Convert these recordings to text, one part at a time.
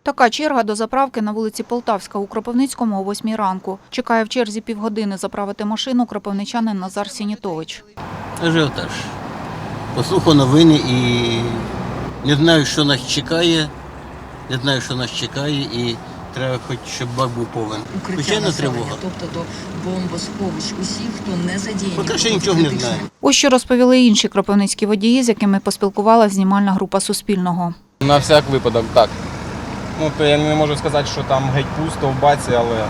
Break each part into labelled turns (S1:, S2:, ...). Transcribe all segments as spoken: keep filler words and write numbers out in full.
S1: Така черга до заправки на вулиці Полтавська у Кропивницькому о восьмій ранку. Чекає в черзі півгодини заправити машину кропивничанин Назар Сінітович.
S2: Ажіотаж. Послухав новини і не знаю, що нас чекає. Не знаю, що нас чекає, і треба хоч, щоб бак був повен. Звичайно, тривога.
S3: Тобто до бомбосховищ усіх, хто не задіяний.
S2: Поки що нічого не знаю.
S1: Ось що розповіли інші кропивницькі водії, з якими поспілкувалася знімальна група Суспільного.
S4: На всяк випадок, так. Ну, то я не можу сказати, що там геть пусто в баці, але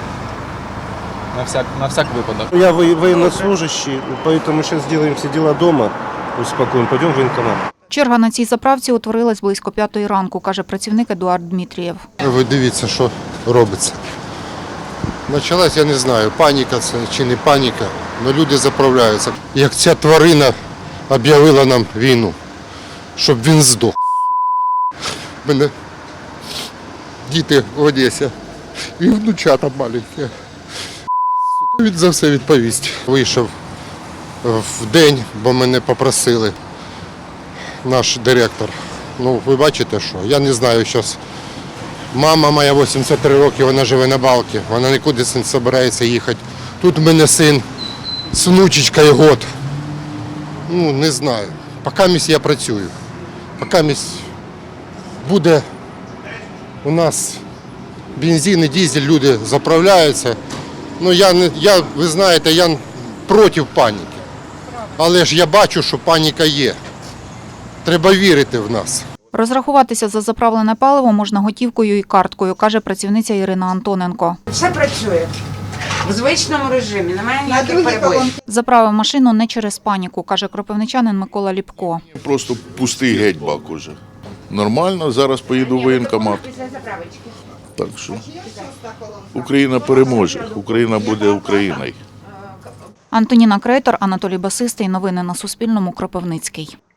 S4: на всяк, на всяк випадок.
S5: Я военнослужащий, поэтому сейчас сделаем все дела дома, успокоим, пойдем в военкомат.
S1: Черга на цій заправці утворилась близько п'ятої ранку, каже працівник Едуард Дмитрієв.
S6: Ви дивіться, що робиться. Почалась, я не знаю, паніка це чи не паніка, але люди заправляються. Як ця тварина об'явила нам війну, щоб він здох. У мене діти в Одесі і внучата маленькі. Він за все відповість. Вийшов в день, бо мене попросили. Наш директор. Ну, ви бачите, що? Я не знаю, зараз. Мама моя вісімдесят три роки, вона живе на Балці, вона нікуди не збирається їхати. Тут в мене син з внучечкою год. Ну, не знаю. Поки місць я працюю. Поки місць буде у нас бензин і дизель, люди заправляються. Ну, я, не, я, ви знаєте, я проти паніки. Але ж я бачу, що паніка є. Треба вірити в нас.
S1: Розрахуватися за заправлене паливо можна готівкою і карткою, каже працівниця Ірина Антоненко.
S7: Все працює в звичному режимі, немає ніяких перебоїв.
S1: Заправив машину не через паніку, каже кропивничанин Микола Ліпко.
S8: Просто пустий геть бак уже. Нормально, зараз поїду в воєнкомат. Так що Україна переможе, Україна буде Україною.
S1: Антоніна Крейтор, Анатолій Басистий. Новини на Суспільному. Кропивницький.